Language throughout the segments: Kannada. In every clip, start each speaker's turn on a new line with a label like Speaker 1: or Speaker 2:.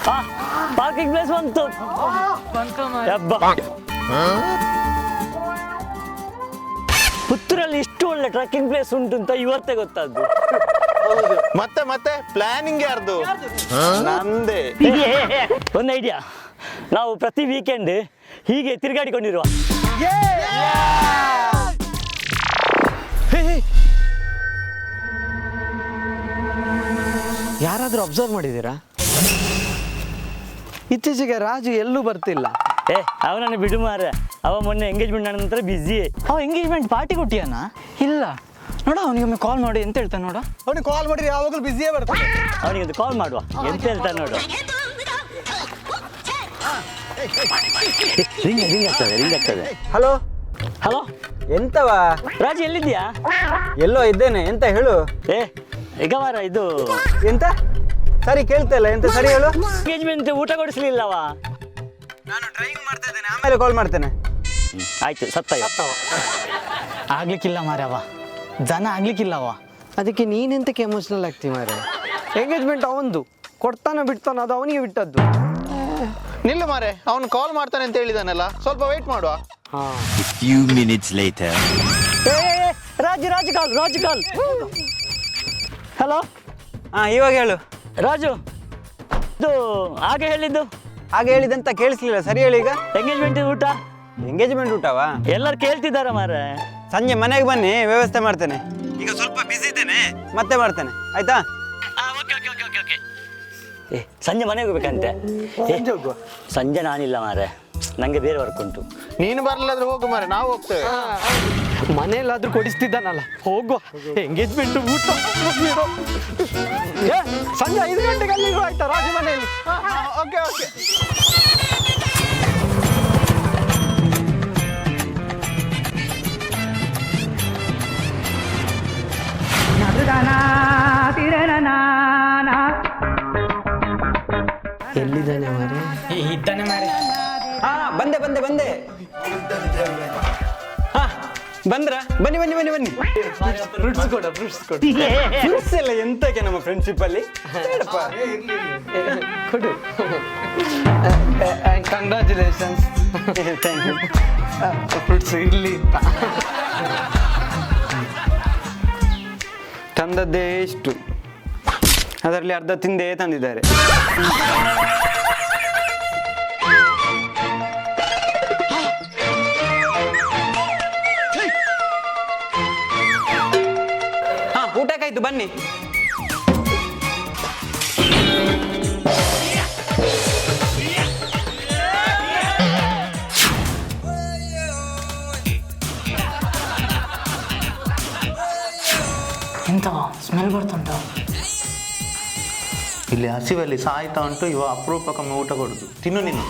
Speaker 1: ಪಾರ್ಕಿಂಗ್ ಪ್ಲೇಸ್ ಬಂತು. ಪುತ್ತೂರಲ್ಲಿ ಇಷ್ಟು ಒಳ್ಳೆ ಟ್ರೆಕ್ಕಿಂಗ್ ಪ್ಲೇಸ್ ಉಂಟು ಅಂತ ಇವತ್ತೇ ಗೊತ್ತಾದ್ದು.
Speaker 2: ಮತ್ತೆ ಮತ್ತೆ ಪ್ಲಾನಿಂಗ್ ಯಾರ್ದು? ನಂದೇ.
Speaker 1: ಒಂದು ಐಡಿಯಾ, ನಾವು ಪ್ರತಿ ವೀಕೆಂಡ್ ಹೀಗೆ ತಿರುಗಾಡಿಕೊಂಡಿರುವ.
Speaker 3: ಯಾರಾದ್ರೂ ಅಬ್ಸರ್ವ್ ಮಾಡಿದ್ದೀರಾ? ಇತ್ತೀಚೆಗೆ ರಾಜು ಎಲ್ಲೂ ಬರ್ತಿಲ್ಲ.
Speaker 1: ಅವನನ್ನು ಬಿಡು ಮಾರ, ಅವ ಮೊನ್ನೆ ಎಂಗೇಜ್ಮೆಂಟ್ ನಂತರ ಬಿಸಿ.
Speaker 4: ಅವ ಎಂಗೇಜ್ಮೆಂಟ್ ಪಾರ್ಟಿ ಕೊಟ್ಟಿಯಾನ? ಇಲ್ಲ ನೋಡ, ಅವನಿಗೊಮ್ಮೆ ಕಾಲ್ ಮಾಡಿ ಎಂತ ಹೇಳ್ತಾನೆ ನೋಡ.
Speaker 3: ಅವನಿಗೆ ಕಾಲ್ ಮಾಡಿದ್ರೆ ಯಾವಾಗಲೂ ಬಿಸಿಯೇ ಬರ್ತಾನೆ.
Speaker 1: ಅವನಿಗೊಂದು ಕಾಲ್ ಮಾಡುವ, ಎಂತ ಹೇಳ್ತಾನೆ ನೋಡು. ರಿಂಗ್ ಆಗ್ತದೆ.
Speaker 3: Hello
Speaker 1: hello,
Speaker 3: ಎಂತವಾ?
Speaker 1: ರಾಜು ಎಲ್ಲಿದ್ಯಾ?
Speaker 3: ಎಲ್ಲೋ ಇದ್ದೇನೆ, ಎಂತ ಹೇಳು.
Speaker 1: ಈಗ ಮಾರ ಇದು
Speaker 3: ಎಂತ ಸರಿ ಕೇಳ್ತಾ ಇಲ್ಲ, ಎಂತ ಸರಿ ಹೇಳು.
Speaker 1: ಎಂಗೇಜ್ಮೆಂಟ್ ಊಟ ಕೊಡಿಸ್ಲಿಲ್ಲವ.
Speaker 3: ನಾನು ಡ್ರೈವಿಂಗ್ ಮಾಡ್ತಾ ಇದ್ದೇನೆ, ಆಮೇಲೆ ಕಾಲ್ ಮಾಡ್ತೇನೆ.
Speaker 1: ಆಯ್ತು, ಸತ್ತ
Speaker 4: ಆಗ್ಲಿಕ್ಕಿಲ್ಲ ಮಾರೆ, ಅವ ಜನ ಆಗ್ಲಿಕ್ಕಿಲ್ಲವ.
Speaker 3: ಅದಕ್ಕೆ ನೀನೆಂತಕ್ಕೆ ಎಮೋಷನಲ್ ಆಗ್ತಿ ಮಾರೆ? ಎಂಗೇಜ್ಮೆಂಟ್ ಅವಂದು, ಕೊಡ್ತಾನ ಬಿಡ್ತಾನ, ಅದು ಅವನಿಗೆ ಬಿಟ್ಟದ್ದು.
Speaker 2: ನಿಲ್ಲು ಮಾರೆ, ಅವನು ಕಾಲ್ ಮಾಡ್ತಾನೆ ಅಂತ ಹೇಳಿದಾನಲ್ಲ, ಸ್ವಲ್ಪ ವೇಟ್ ಮಾಡುವ.
Speaker 5: few minutes later.
Speaker 1: Raju call. Hello,
Speaker 3: ಇವಾಗ ಹೇಳು.
Speaker 1: ರಾಜು, ಇದು ಹಾಗೆ ಹೇಳಿದ್ದು.
Speaker 3: ಹಾಗೆ ಹೇಳಿದಂತ ಕೇಳಿಸ್ಲಿಲ್ಲ, ಸರಿ ಹೇಳಿ. ಈಗ
Speaker 1: ಎಂಗೇಜ್ಮೆಂಟ್ ಊಟ.
Speaker 3: ಎಂಗೇಜ್ಮೆಂಟ್ ಊಟವಾ?
Speaker 1: ಎಲ್ಲರೂ ಕೇಳ್ತಿದ್ದಾರ ಮಾರ.
Speaker 3: ಸಂಜೆ ಮನೆಗೆ ಬನ್ನಿ, ವ್ಯವಸ್ಥೆ ಮಾಡ್ತೇನೆ. ಈಗ ಸ್ವಲ್ಪ ಬಿಸಿ ಇದ್ದೇನೆ, ಮತ್ತೆ ಮಾಡ್ತೇನೆ, ಆಯ್ತಾ?
Speaker 1: ಸಂಜೆ ಮನೆಗೆ ಹೋಗ್ಬೇಕಂತೆ. ಸಂಜೆ ನಾನಿಲ್ಲ ಮಾರೆ, ನಂಗೆ ಬೇರೆ ವರ್ಕ್ ಉಂಟು.
Speaker 2: ನೀನು ಬರ್ಲಾದ್ರೆ ಹೋಗು ಮಾರೆ, ನಾವು ಹೋಗ್ತೇವೆ.
Speaker 3: ಮನೆಯಲ್ಲಾದ್ರೂ ಕೊಡಿಸ್ತಿದ್ದಾನಲ್ಲ, ಹೋಗುವ. ಎಂಗೇಜ್ಮೆಂಟ್ ಊಟ ಸಂಜೆ 5 ಗಂಟೆಗೆ ಅಲ್ಲಿ ಆಯ್ತಾ ರಾಜು ಮನೆಯಲ್ಲಿ?
Speaker 2: Okay okay.
Speaker 3: ಎಲ್ಲಿದ್ದಾನೆ ಮಾರೆ?
Speaker 4: ಇದ್ದಾನೆ ಮಾರೆ.
Speaker 3: ಬಂದೆ ಬಂದ್ರ? ಬನ್ನಿ. ಫ್ರೂಟ್ಸ್ ಎಲ್ಲ ಎಂತಕ್ಕೆ ನಮ್ಮ ಫ್ರೆಂಡ್ಶಿಪ್ ಅಲ್ಲಿ? ಕೊಡು. ಕಂಗ್ರಾಚುಲೇಷನ್ಸ್. Thank you. ಫ್ರೂಟ್ಸ್ ಇರ್ಲಿ ಅಂತ ತಂದದ್ದೇ ಇಷ್ಟು, ಅದರಲ್ಲಿ ಅರ್ಧ ತಿಂದೇ ತಂದಿದ್ದಾರೆ. ಊಟಕ್ಕಾಯ್ತು, ಬನ್ನಿ.
Speaker 4: ಎಂತವ ಸ್ಮೆಲ್ ಬರ್ತುಂಟ?
Speaker 2: ಇಲ್ಲಿ ಹಸಿವಲ್ಲಿ ಸಾಯ್ತಾ ಉಂಟು, ಇವ ಅಪರೂಪಕ್ಕೊಮ್ಮೆ ಊಟ ಕೊಡುದು. ತಿನ್ನು ನೀನು.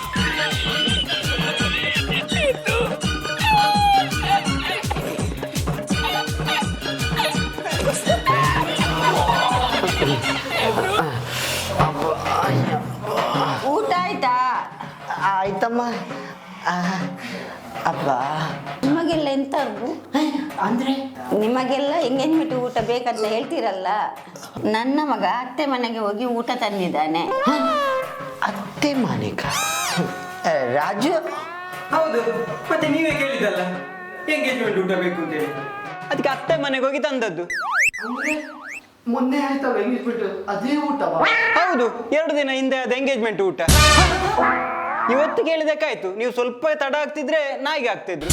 Speaker 6: ಊಟ ಆಯ್ತಾ?
Speaker 3: ಆಯ್ತಮ್ಮ. ಅಪ್ಪ,
Speaker 6: ನಿಮಗೆಲ್ಲ ಎಂತ ಅಂದ್ರೆ ನಿಮಗೆಲ್ಲ ಎಂಗೇಜ್ಮೆಂಟ್ ಊಟ ಬೇಕಂತ ಹೇಳ್ತೀರಲ್ಲ, ನನ್ನ ಮಗ ಅತ್ತೆ ಮನೆಗೆ ಹೋಗಿ ಊಟ ತಂದಿದ್ದಾನೆ.
Speaker 3: ಅತ್ತೆ ಮನೆಗ? ರಾಜು?
Speaker 7: ಹೌದು, ಮತ್ತೆ ನೀವೇ ಕೇಳಿದಲ್ಲ ಎಂಗೇಜ್ಮೆಂಟ್ ಊಟ ಬೇಕು ಅಂತ ಹೇಳಿ.
Speaker 3: ಅದಕ್ಕೆ ಅತ್ತೆ ಮನೆಗೆ ಹೋಗಿ ತಂದದ್ದು.
Speaker 7: ಮೊನ್ನೆ ಆಯ್ತಲ್ಲ ಎಂಗೇಜ್ಮೆಂಟ್, ಅದೇ ಊಟ?
Speaker 3: ಹೌದು, 2 ದಿನ ಹಿಂದೆ ಅದು ಎಂಗೇಜ್ಮೆಂಟ್ ಊಟ. ಇವತ್ತು ಕೇಳಿದಕ್ಕಾಯ್ತು, ನೀವು ಸ್ವಲ್ಪ ತಡ ಆಗ್ತಿದ್ರೆ ನಾಯಿಗೆ ಆಗ್ತಿದ್ರು.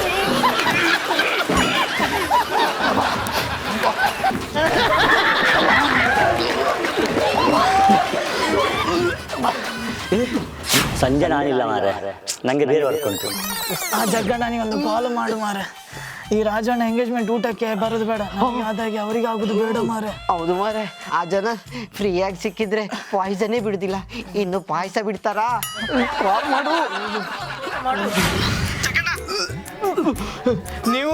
Speaker 1: ಸಂಜೆ ನಾನಿಲ್ಲ ಮಾರೆ, ನಂಗೆ ಬೇರೆ ವರ್ಕ್ ಉಂಟು.
Speaker 4: ಆ ಜಗ್ಗಣ್ಣನಿಗೆ ಒಂದು ಕಾಲ್ ಮಾಡು ಮಾರೆ. ಈ ರಾಜಣ್ಣ ಎಂಗೇಜ್ಮೆಂಟ್ ಊಟಕ್ಕೆ ಬರೋದು ಬೇಡ, ಆದಾಗಿ ಅವರಿಗೆ ಆಗುದು ಬೇಡ ಮಾರೆ.
Speaker 8: ಹೌದು ಮಾರೆ, ಆ ಜನ ಫ್ರೀಯಾಗಿ ಸಿಕ್ಕಿದ್ರೆ ಪಾಯ್ಸನೇ ಬಿಡುದಿಲ್ಲ, ಇನ್ನು ಪಾಯಸ ಬಿಡ್ತಾರಾ? ಕಾಲ್ ಮಾಡು.
Speaker 3: ನೀವು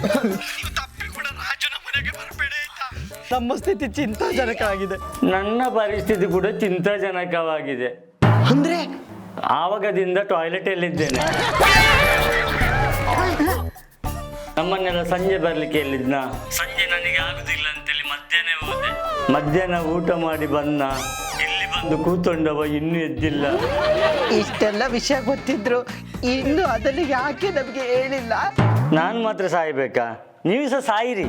Speaker 4: ನಮ್ಮ ಸ್ಥಿತಿ ಚಿಂತಾಜನಕವಾಗಿದೆ.
Speaker 1: ನನ್ನ ಪರಿಸ್ಥಿತಿ ಕೂಡ ಚಿಂತಾಜನಕವಾಗಿದೆ.
Speaker 8: ಅಂದ್ರೆ
Speaker 1: ಆವಾಗದಿಂದ ಟಾಯ್ಲೆಟ್ ಎಲ್ಲಿದ್ದೇನೆ. ನಮ್ಮನ್ನೆಲ್ಲ ಸಂಜೆ ಬರ್ಲಿಕ್ಕೆ ಹೇಳಿದ್ನ, ಸಂಜೆ ನನಗೆ ಆಗುದಿಲ್ಲ ಅಂತೇಳಿ ಮಧ್ಯಾಹ್ನ ಹೋದೆ. ಮಧ್ಯಾಹ್ನ ಊಟ ಮಾಡಿ ಬನ್ನ, ಇಲ್ಲಿ ಒಂದು ಕೂತ್ಕೊಂಡವ ಇನ್ನೂ ಎದ್ದಿಲ್ಲ.
Speaker 8: ಇಷ್ಟೆಲ್ಲ ವಿಷಯ ಗೊತ್ತಿದ್ರು ಇನ್ನು ಅದನ್ನು ಯಾಕೆ ನಮಗೆ ಹೇಳಿಲ್ಲ?
Speaker 1: ನಾನು ಮಾತ್ರ ಸಾಯ್ಬೇಕಾ? ನೀವು ಸಹ ಸಾಯಿರಿ.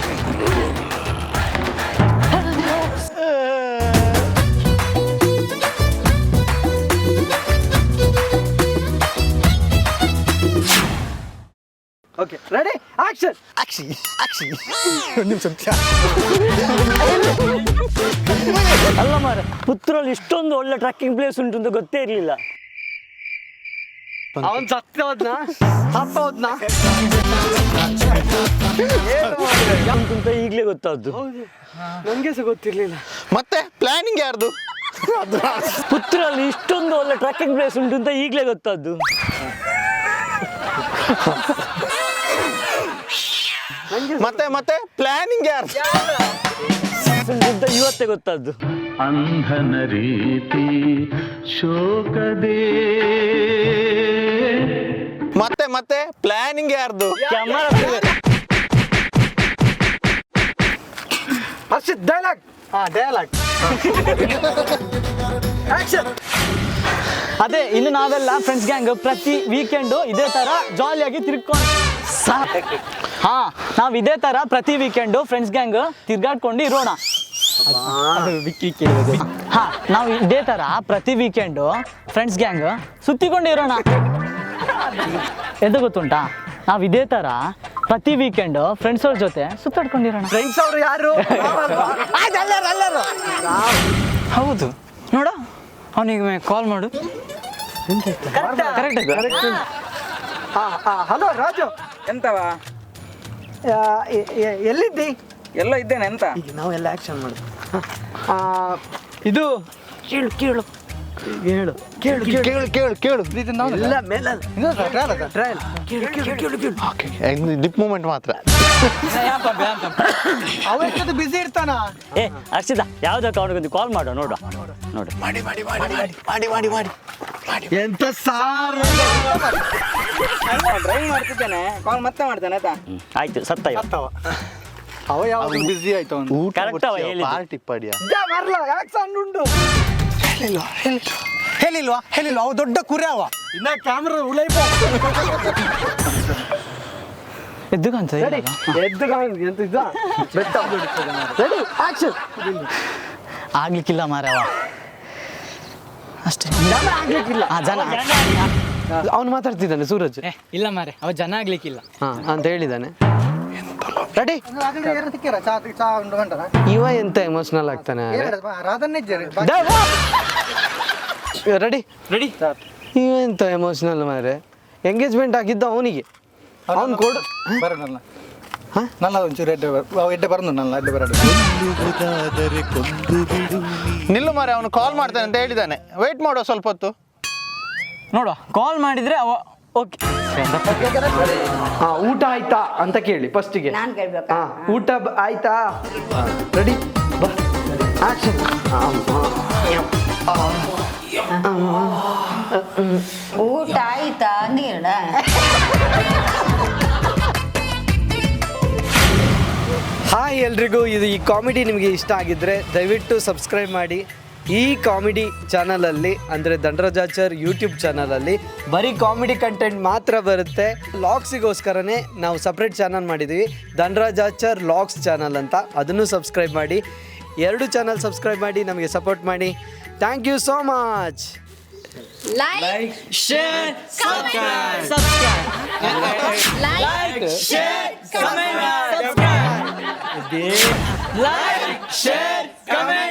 Speaker 8: Okay ready action action action. ಒಂದು ನಿಮಿಷ.
Speaker 1: ಅಲ್ಲ ಮಾರ, ಪುತ್ತೂರಲ್ಲಿ ಇಷ್ಟೊಂದು ಒಳ್ಳೆ ಟ್ರಕ್ಕಿಂಗ್ ಪ್ಲೇಸ್ ಉಂಟು ಅಂತ ಗೊತ್ತೇ ಇರಲಿಲ್ಲ.
Speaker 8: ಅವನ್ ಸತ್ತ ಹೋದ್ನಾ
Speaker 1: ಅಂತ ಈಗಲೇ ಗೊತ್ತಾದ್ದು.
Speaker 8: ನನಗೆ ಸಹ ಗೊತ್ತಿರ್ಲಿಲ್ಲ.
Speaker 2: ಮತ್ತೆ ಪ್ಲಾನಿಂಗ್ ಯಾರ್ದು?
Speaker 1: ಪುತ್ತೂರಲ್ಲಿ ಇಷ್ಟೊಂದು ಒಳ್ಳೆ ಟ್ರಕ್ಕಿಂಗ್ ಪ್ಲೇಸ್ ಉಂಟು ಅಂತ ಈಗಲೇ ಗೊತ್ತಾದ್ದು.
Speaker 2: ಮತ್ತೆ ಪ್ಲಾನಿಂಗ್ ಯಾರ್ದು?
Speaker 1: ಉಂಟು ಅಂತ ಇವತ್ತೇ ಗೊತ್ತಾದ್ದು.
Speaker 9: ಅಂಧನ ರೀತಿ ಶೋಕದೇ.
Speaker 2: ಮತ್ತೆ ಪ್ಲಾನಿಂಗ್ ಯಾರ್ದು?
Speaker 1: Camera
Speaker 8: Harshit dialogue. Dialogue action.
Speaker 4: ಅದೇ ಇನ್ನು ನಾವೆಲ್ಲ ಫ್ರೆಂಡ್ಸ್ ಗ್ಯಾಂಗ್ ಪ್ರತಿ ವೀಕೆಂಡು ಇದೇ ತರ ಜಾಲಿಯಾಗಿ ತಿರ್ಕೊಂಡು ನಾವು ಇದೇ ತರ ಪ್ರತಿ ವೀಕೆಂಡು ಫ್ರೆಂಡ್ಸ್ ಗ್ಯಾಂಗ್ ತಿರ್ಗಾಡ್ಕೊಂಡು ಇರೋಣ. ನಾವು ಇದೇ ತರ ಪ್ರತಿ ವೀಕೆಂಡು ಫ್ರೆಂಡ್ಸ್ ಗ್ಯಾಂಗ್ ಸುತ್ತಿಕೊಂಡು ಇರೋಣ. ಎಂತ ಗೊತ್ತುಂಟಾ? ನಾವು ಇದೇ ತರ ಪ್ರತಿ ವೀಕೆಂಡು ಫ್ರೆಂಡ್ಸ್ ಅವ್ರ ಜೊತೆ ಸುತ್ತಾಡ್ಕೊಂಡಿರೋಣ.
Speaker 8: ಫ್ರೆಂಡ್ಸ್ ಅವರು ಯಾರು?
Speaker 3: ಹೌದು, ನೋಡ ಅವನಿಗೆ ಕಾಲ್ ಮಾಡು. ಕರೆಕ್ಟ್.
Speaker 8: ಹಲೋ ರಾಜು,
Speaker 7: ಎಂತವಾ?
Speaker 8: ಎಲ್ಲಿದ್ದಿ?
Speaker 7: ಎಲ್ಲ ಇದ್ದೇನೆ. ಎಂತ?
Speaker 8: ಈಗ ನಾವೆಲ್ಲ ಆಕ್ಷನ್ ಮಾಡುದು.
Speaker 3: ಇದು
Speaker 8: ಕೇಳು ಕೇಳು ಹೇಳು ಕೇಳು ಕೇಳು ಕೇಳು ಕೇಳು ಎಲ್ಲ ಮೇಲೆ ಟ್ರಯಲ್ ಕೇಳು ಕೇಳು ಕೇಳು ಕೇಳು.
Speaker 2: ಡಿಪ್ ಮೂಮೆಂಟ್ ಮಾತ್ರ.
Speaker 8: ಅವತ್ತು ಬಿಸಿ ಇರ್ತಾನ.
Speaker 1: ಏ ಹರ್ಷಿತ, ಯಾವ್ದಕ್ಕೆ ಅವನಿಗೊಂದು ಕಾಲ್ ಮಾಡುವ ನೋಡು.
Speaker 8: ಮಾಡಿ ಮಾಡಿ ಮಾಡಿ ಮಾಡಿ ಮಾಡಿ ಮಾಡಿ ಮಾಡಿ ಎಂತ ಸಾರು.
Speaker 7: ಡ್ರೈವ್ ಮಾಡ್ತಿದ್ದೇನೆ, ಕಾಲ್ ಮತ್ತೆ ಮಾಡ್ತೇನೆ ಆಯ್ತಾ?
Speaker 1: ಆಯ್ತು, ಸತ್ತ ಇವ.
Speaker 8: ಅವ ಯಾವಾಗ ಬಿಸಿ ಆಯ್ತು ಅವನು.
Speaker 1: ಕರೆಕ್ಟ್ ಅವ ಹೇಳಿದ್ದು.
Speaker 2: ಪಾರ್ಟಿ ಪಡಿಯ
Speaker 8: ಮರ್ಲ ಯಾಕೆ ಸಣ್ಣ ಉಂಟು
Speaker 3: ಹೇಳಿಲ್ವಾ ಅವ ದೊಡ್ಡ ಕುರಿ ಅವ.
Speaker 8: ಇನ್ನ ಕ್ಯಾಮ್ರಾ ಉಳೈಪ
Speaker 4: ಎದ್ದು ಕಾಣ್ತದೆ
Speaker 8: ಎದ್ದು ಎಂತ ಇದ್ದ ಬೆಟ್ಟ ರೆಡಿ ಆಕ್ಷನ್.
Speaker 4: ಆಗ್ಲಿಕ್ಕಿಲ್ಲ ಮಾರವ ಅಷ್ಟೇ.
Speaker 8: ಆಗ್ಲಿಕ್ಕಿಲ್ಲ.
Speaker 4: ಜನ
Speaker 8: ಅವನು ಮಾತಾಡ್ತಿದ್ದಾನೆ ಸೂರಜ್.
Speaker 4: ಇಲ್ಲ ಮಾರೆ, ಅವ ಜನ ಆಗ್ಲಿಕ್ಕಿಲ್ಲ
Speaker 8: ಅಂತ ಹೇಳಿದ್ದಾನೆ. ರೆಡಿ. ಇವ ಎಂತ ಎಮೋಷನಲ್ ಆಗ್ತಾನೆ. Ready
Speaker 3: ready.
Speaker 8: ಇವ ಎಂತ ಎಮೋಷನಲ್ ಮಾರೆ. ಎಂಗೇಜ್ಮೆಂಟ್ ಆಗಿದ್ದ ಅವನಿಗೆ ಅವ್ನು ಕೊಡು.
Speaker 2: ನಿಲ್ಲು ಮಾರೆ, ಅವನು ಕಾಲ್ ಮಾಡ್ತಾನೆ ಅಂತ ಹೇಳಿದ್ದಾನೆ. ವೇಟ್ ಮಾಡುವ ಸ್ವಲ್ಪ ಹೊತ್ತು.
Speaker 4: ನೋಡುವ, ಕಾಲ್ ಮಾಡಿದ್ರೆ ಅವ ಓಕೆ.
Speaker 8: ಊಟ ಆಯ್ತಾ ಅಂತ ಕೇಳಿ ಫಸ್ಟಿಗೆ.
Speaker 6: ನಾನು ಕೇಳ್ಬೇಕಾ?
Speaker 8: ಊಟ ಆಯ್ತಾ? ರೆಡಿ ಬಾ ಆಕ್ಷನ್.
Speaker 6: ಊಟ ಆಯ್ತಾ ನೀಡ.
Speaker 8: ಹಾಯ್ ಎಲ್ರಿಗೂ, ಈ ಕಾಮಿಡಿ ನಿಮಗೆ ಇಷ್ಟ ಆಗಿದ್ದರೆ ದಯವಿಟ್ಟು ಸಬ್ಸ್ಕ್ರೈಬ್ ಮಾಡಿ. ಈ ಕಾಮಿಡಿ ಚಾನಲಲ್ಲಿ ಅಂದರೆ ದಂಡರಾಜಾಚಾರ್ ಯೂಟ್ಯೂಬ್ ಚಾನಲಲ್ಲಿ ಬರೀ ಕಾಮಿಡಿ ಕಂಟೆಂಟ್ ಮಾತ್ರ ಬರುತ್ತೆ. ಲಾಗ್ಸಿಗೋಸ್ಕರನೇ ನಾವು ಸಪ್ರೇಟ್ ಚಾನಲ್ ಮಾಡಿದ್ದೀವಿ, ದಂಡರಾಜಾಚಾರ್ ಲಾಗ್ಸ್ ಚಾನಲ್ ಅಂತ. ಅದನ್ನು ಸಬ್ಸ್ಕ್ರೈಬ್ ಮಾಡಿ. 2 ಚಾನಲ್ ಸಬ್ಸ್ಕ್ರೈಬ್ ಮಾಡಿ, ನಮಗೆ ಸಪೋರ್ಟ್ ಮಾಡಿ. Thank you so much.
Speaker 6: Like
Speaker 4: share subscribe
Speaker 6: like
Speaker 4: share comment